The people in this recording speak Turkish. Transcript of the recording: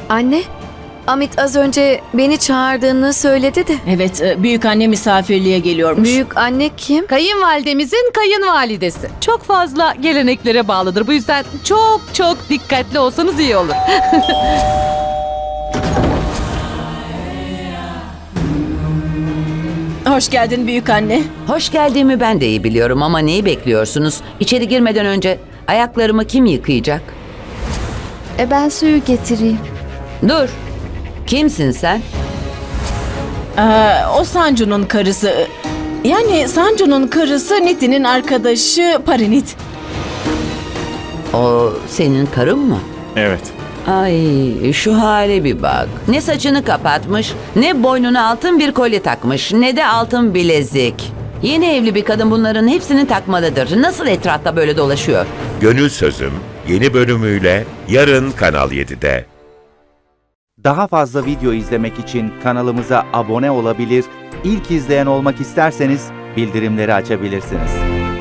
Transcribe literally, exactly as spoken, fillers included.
Anne, Amit az önce beni çağırdığını söyledi de. Evet, e, büyük anne misafirliğe geliyormuş. Büyük anne kim? Kayınvalidemizin kayınvalidesi. Çok fazla geleneklere bağlıdır. Bu yüzden çok çok dikkatli olsanız iyi olur. Hoş geldin büyük anne. Hoş geldiğimi ben de iyi biliyorum ama neyi bekliyorsunuz? İçeri girmeden önce ayaklarımı kim yıkayacak? E ben suyu getireyim. Dur. Kimsin sen? Ee, o Sancu'nun karısı. Yani Sancu'nun karısı Niti'nin arkadaşı Parinit. O senin karın mı? Evet. Ay şu hale bir bak. Ne saçını kapatmış, ne boynuna altın bir kolye takmış, ne de altın bilezik. Yeni evli bir kadın bunların hepsini takmalıdır. Nasıl etrafta böyle dolaşıyor? Gönül Sözüm yeni bölümüyle yarın Kanal yedide. Daha fazla video izlemek için kanalımıza abone olabilir, ilk izleyen olmak isterseniz bildirimleri açabilirsiniz.